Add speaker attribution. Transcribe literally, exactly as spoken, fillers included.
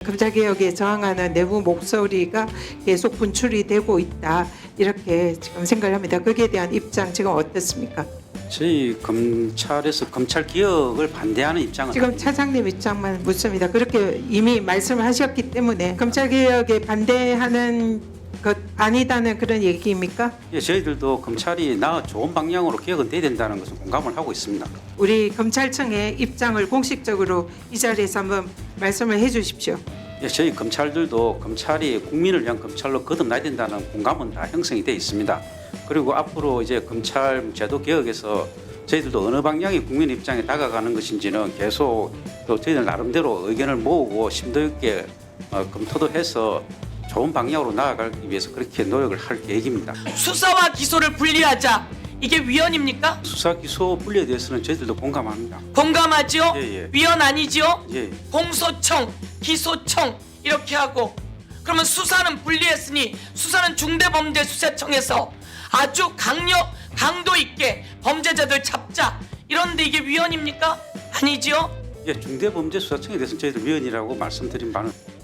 Speaker 1: 검찰개혁에 저항하는 내부 목소리가 계속 분출이 되고 있다, 이렇게 지금 생각을 합니다. 거기에 대한 입장 지금 어떻습니까?
Speaker 2: 저희 검찰에서 검찰 개혁을 반대하는 입장은
Speaker 1: 지금
Speaker 2: 아닙니다.
Speaker 1: 차장님 입장만 묻습니다. 그렇게 이미 말씀을 하셨기 때문에 검찰개혁에 반대하는 것 아니다는 그런 얘기입니까?
Speaker 2: 예, 저희들도 검찰이 나 좋은 방향으로 개혁은 돼야 된다는 것을 공감을 하고 있습니다.
Speaker 1: 우리 검찰청의 입장을 공식적으로 이 자리에서 한번 말씀을 해 주십시오.
Speaker 2: 예, 저희 검찰들도 검찰이 국민을 위한 검찰로 거듭나야 된다는 공감은 다 형성이 돼 있습니다. 그리고 앞으로 이제 검찰 제도 개혁에서 저희들도 어느 방향이 국민 입장에 다가가는 것인지는 계속 또 저희들 나름대로 의견을 모으고 심도 있게 어, 검토도 해서 좋은 방향으로 나아가기 위해서 그렇게 노력을 할 계획입니다.
Speaker 3: 수사와 기소를 분리하자. 이게 위헌입니까?
Speaker 2: 수사 기소 분리에 대해서는 저희들도 공감합니다.
Speaker 3: 공감하죠?
Speaker 2: 예, 예.
Speaker 3: 위헌 아니죠?
Speaker 2: 예.
Speaker 3: 공소청, 기소청 이렇게 하고, 그러면 수사는 분리했으니 수사는 중대범죄수사청에서 아주 강력, 강도 있게 범죄자들 잡자. 이런데 이게 위헌입니까? 아니죠?
Speaker 2: 예, 중대범죄수사청에 대해서는 저희들 위원이라고 말씀드린 바는